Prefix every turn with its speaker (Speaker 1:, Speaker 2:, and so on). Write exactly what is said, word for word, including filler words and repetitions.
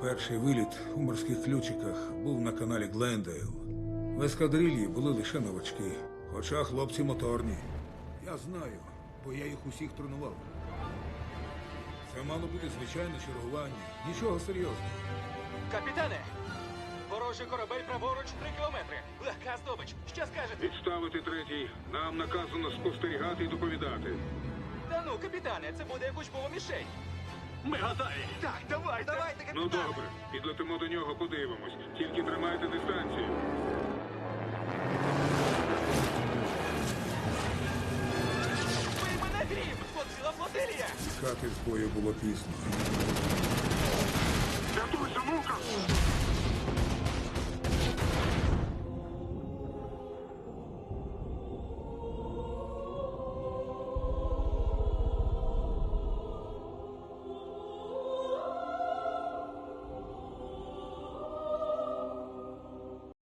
Speaker 1: Перший виліт у морських ключиках був на каналі Глендейл. В ескадрильї були лише новачки, хоча хлопці моторні. Я знаю, бо я їх усіх тренував. Це мало бути звичайне чергування, нічого серйозного.
Speaker 2: Капітане! Ворожий корабель праворуч три кілометри. Легка здобич. Що скажете?
Speaker 3: Відставити третій. Нам наказано спостерігати і доповідати.
Speaker 2: Та ну, капітане, це буде як учбова мішень.
Speaker 4: Ми готові.
Speaker 2: Так, давайте. Давайте, капітане.
Speaker 3: Ну добре, підлетимо до нього, подивимось. Тільки тримайте дистанцію.
Speaker 2: Ви мене грім! Тут ціла флотилія!
Speaker 1: Тікати з бою було пізно.
Speaker 4: Рятуйся, мука!